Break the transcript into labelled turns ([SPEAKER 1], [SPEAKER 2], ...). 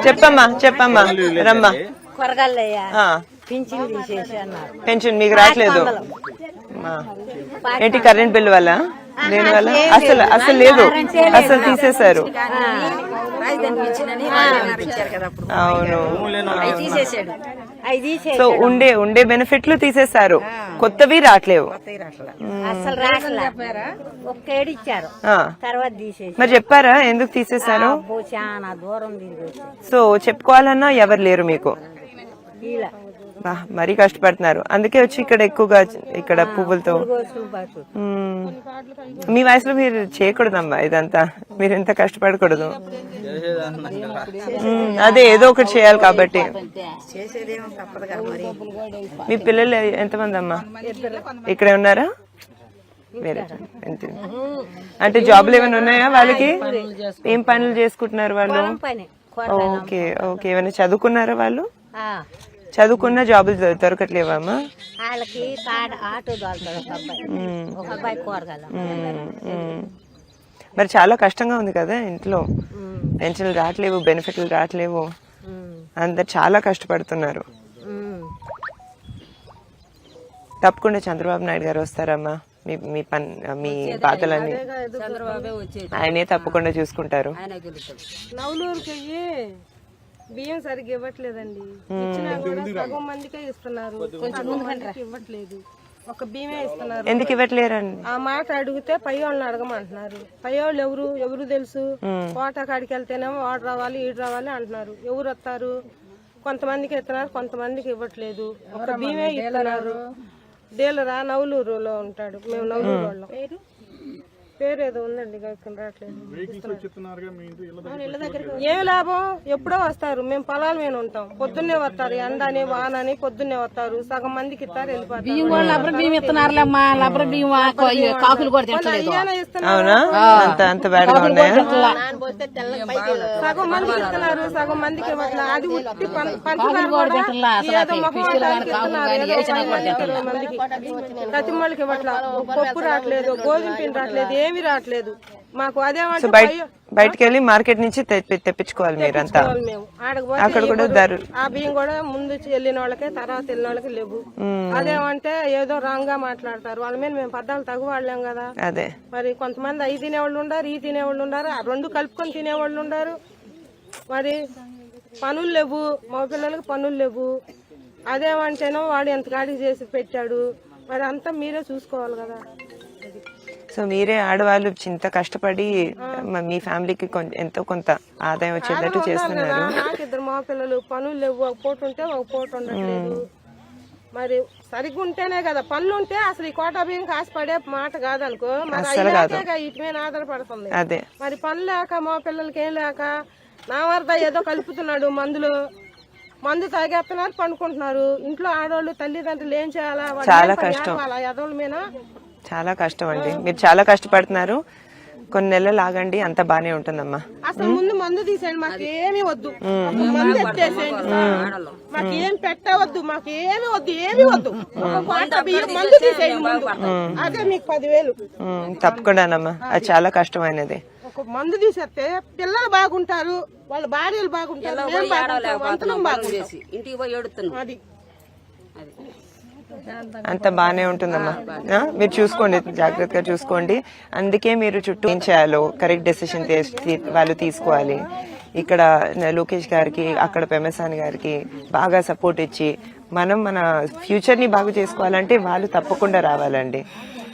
[SPEAKER 1] చెప్పమ్మా రమ్మా. పెన్షన్ మీకు రావట్లేదు ఏంటి? కరెంట్ బిల్ వల్ల దేని వల్ల? అసలు లేదు, అసలు తీసేశారు. అవును, సో ఉండే బెనిఫిట్లు తీసేశారు, కొత్తవి రావట్లేవు. మరి చెప్పారా ఎందుకు తీసేశారు? సో చెప్పుకోవాలన్నా ఎవరు లేరు మీకు. మరీ కష్టపడుతున్నారు, అందుకే వచ్చి ఇక్కడ ఎక్కువగా ఇక్కడ పువ్వులతో. మీ వయసులో మీరు చేయకూడదమ్మా ఇదంతా, మీరు ఎంత కష్టపడకూడదు. అదే ఏదో ఒకటి చేయాలి కాబట్టి. మీ పిల్లలు ఎంతమంది అమ్మా? ఇక్కడే ఉన్నారా? వేరే అంటే జాబ్లు ఏమైనా ఉన్నాయా వాళ్ళకి? ఏం పనులు చేసుకుంటున్నారు వాళ్ళు? ఓకే ఓకే, ఏమైనా చదువుకున్నారా వాళ్ళు? చదువుకున్న జాబులు దొరకట్లేవమ్మా? మరి చాలా కష్టంగా ఉంది కదా ఇంట్లో, పెన్షన్లు రావట్లేవు, బెనిఫిట్లు రావట్లేవు, అందరు చాలా కష్టపడుతున్నారు. తప్పకుండా చంద్రబాబు నాయుడు గారు వస్తారమ్మా, మీ బాధలన్నీ ఆయనే తప్పకుండా చూసుకుంటారు.
[SPEAKER 2] బియ్యం సరిగ్గా ఇవ్వట్లేదండి, ఇచ్చినా కూడా సగం మందికే ఇస్తున్నారు, కొంచెం ఇవ్వట్లేదు, ఒక బియ్యమే ఇస్తున్నారు.
[SPEAKER 1] ఎందుకు ఇవ్వట్లేరండి?
[SPEAKER 2] ఆ మాట అడిగితే పై వాళ్ళని అడగమంటున్నారు. పై వాళ్ళు ఎవరు తెలుసు? కోట కాడికి వెళ్తేనేమో వాడు రావాలి ఈడు రావాలి అంటున్నారు. ఎవరు వస్తారు? కొంతమందికి ఇస్తున్నారు, కొంతమందికి ఇవ్వట్లేదు, ఒక బియ్యమే ఇస్తున్నారు. డీలరా నవలూరులో ఉంటాడు, మేము నవలూరు వాళ్ళం. పేరు ఏదో ఉందండి, రావట్లేదు. ఏమి లాభం? ఎప్పుడో వస్తారు, మేము పొలాల మీద ఉంటాం, పొద్దున్నే వస్తారు, ఎండని వానని పొద్దున్నే వస్తారు, సగం మందికి ఇస్తారు, వెళ్ళిపోతారు. సగం మందికి ఇస్తున్నారు, సగం మందికి ఇవ్వట్లేదు. అది ఉట్టి మందికి ప్రతి వాళ్ళకి ఇవ్వట్లేదు. పప్పు రావట్లేదు, గోధుమ పిండి రావట్లేదు, ఏమి రావట్లేదు మాకు. అదేమంటే
[SPEAKER 1] బయటకు వెళ్ళి మార్కెట్ నుంచి తెప్పించుకోవాలి మీరంతా. అక్కడ కూడా
[SPEAKER 2] ఆ బియ్యం కూడా ముందు వెళ్ళిన వాళ్ళకే తర్వాత వెళ్ళిన వాళ్ళకి లేవు. అదేమంటే ఏదో రాంగ్ గా మాట్లాడతారు, వాళ్ళ మీద మేము పద్దాలు తగు వాళ్ళేం కదా.
[SPEAKER 1] అదే
[SPEAKER 2] మరి కొంతమంది అవి తినేవాళ్ళు ఉండారు, ఈ తినేవాళ్ళు ఉండారు, ఆ రెండు కలుపుకొని తినేవాళ్ళు ఉండారు. మరి పనులు లేవు, మా పిల్లలకి పనులు లేవు. అదేమంటేనో వాడు ఎంత గాడి చేసి పెట్టాడు, మరి అంతా మీరే చూసుకోవాలి కదా.
[SPEAKER 1] సో మీరే ఆడవాళ్ళు చింత కష్టపడి మీ ఫ్యామిలీకి ఎంతో కొంత ఆదాయం వచ్చేటట్టు చేస్తున్నారు.
[SPEAKER 2] నాకు ఇద్దరు మా పిల్లలు, పనులు లేవు, ఒక పూట ఉంటే ఒక పూట ఉండట్లేదు. మరి సరిగ్గా ఉంటేనే కదా పనులు ఉంటే అసలు ఈ కోటా బియ్యం కాసిపడే మాట కాదనుకో, మరి ఇటు మీద ఆధారపడుతుంది.
[SPEAKER 1] అదే
[SPEAKER 2] మరి పనులు లేక మా పిల్లలకి ఏం లేక నా వరద ఏదో కలుపుతున్నాడు మందు తాగేస్తున్నారు, పండుకుంటున్నారు. ఇంట్లో ఆడవాళ్ళు తల్లిదండ్రులు ఏం చేయాలా?
[SPEAKER 1] చాలా కష్టం,
[SPEAKER 2] ఎదవుల మీద
[SPEAKER 1] చాలా కష్టం అండి. మీరు చాలా కష్టపడుతున్నారు, కొన్ని నెలలు ఆగండి, అంత బానే ఉంటుందమ్మా.
[SPEAKER 2] అసలు ముందు మందు తీసేయండి, మాకు ఏమి వద్దు, మందు ఎత్తేసేయండి, మాకు ఏం పెట్టవద్దు, మాకు ఏమి వద్దు, మందు తీసేయండి ముందు. అదే మీకు 10,000
[SPEAKER 1] తప్పకుండానమ్మా, అది చాలా కష్టమైనది.
[SPEAKER 2] ఒక మందు తీసేస్తే పిల్లలు బాగుంటారు, వాళ్ళ భార్యలు బాగుంటారు, అది
[SPEAKER 1] అంత బానే ఉంటుందమ్మా. మీరు చూసుకోండి, జాగ్రత్తగా చూసుకోండి. అందుకే మీరు చుట్టూ ఏం చేయాలో కరెక్ట్ డెసిషన్ వాళ్ళు తీసుకోవాలి. ఇక్కడ లోకేష్ గారికి, అక్కడ పెమసాని గారికి బాగా సపోర్ట్ ఇచ్చి మనం మన ఫ్యూచర్ ని బాగు చేసుకోవాలంటే వాళ్ళు తప్పకుండా రావాలండి.